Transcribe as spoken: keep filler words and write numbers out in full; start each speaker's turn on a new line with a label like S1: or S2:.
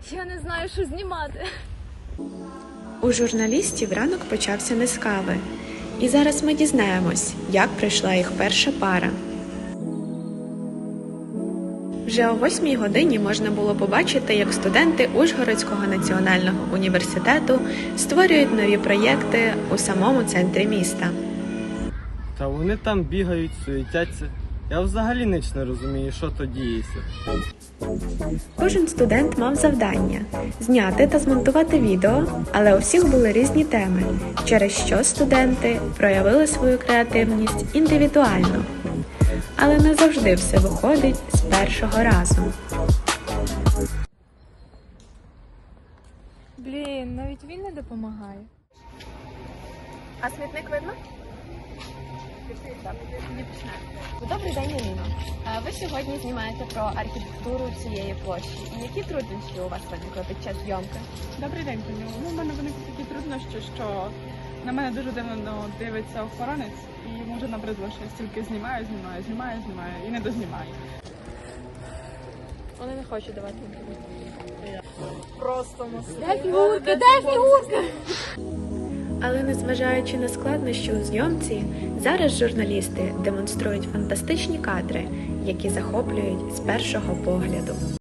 S1: Я не знаю, що знімати.
S2: У журналістів ранок почався не з кави. І зараз ми дізнаємось, як пройшла їх перша пара. Вже о восьмій годині можна було побачити, як студенти Ужгородського національного університету створюють нові проєкти у самому центрі міста.
S3: Та вони там бігають, суетяться. Я взагалі ніч не розумію, що то діється.
S2: Кожен студент мав завдання – зняти та змонтувати відео, але у всіх були різні теми, через що студенти проявили свою креативність індивідуально. Але не завжди все виходить з першого разу.
S1: Блін, навіть він не допомагає.
S4: А смітник видно? Добрий день, Ніно. Ви сьогодні знімаєте про архітектуру цієї площі. І які труднощі у вас виникли під час зйомки?
S5: Добрий день, Таню. Ну, у мене виникли такі труднощі, що на мене дуже дивно дивиться охоронець і йому вже набридло, що я стільки знімаю, знімаю, знімаю, знімаю і не дознімаю.
S1: Вони не хочуть давати інтерв'ю.
S5: Просто
S1: Де фігурка? Де фігурка?
S2: Але незважаючи на складнощі у зйомці, зараз журналісти демонструють фантастичні кадри, які захоплюють з першого погляду.